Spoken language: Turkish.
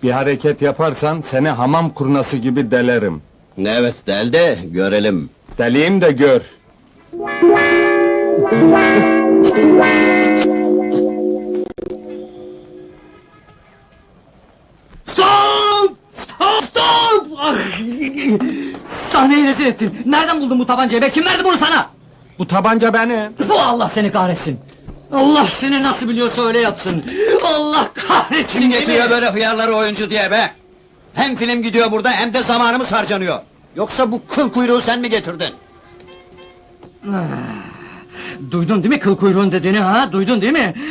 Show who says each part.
Speaker 1: Bir hareket yaparsan seni hamam kurnası gibi delerim.
Speaker 2: Evet, del de görelim.
Speaker 1: Deliyim de gör.
Speaker 3: Stop! Stop! Stop! Ah! Sahneyi rezil ettin. Nereden buldun bu tabancayı be? Kim verdi bunu sana?
Speaker 1: Bu tabanca benim.
Speaker 3: Bu Allah seni kahretsin. Allah seni nasıl biliyorsa öyle yapsın. Allah kahretsin.
Speaker 2: Kim
Speaker 3: değil
Speaker 2: getiriyor
Speaker 3: mi?
Speaker 2: böyle hıyarları oyuncu diye be? Hem film gidiyor burada hem de zamanımız harcanıyor. Yoksa bu kıl kuyruğu sen mi getirdin?
Speaker 3: Duydun değil mi kıl kuyruğun dediğini ha? Duydun değil mi?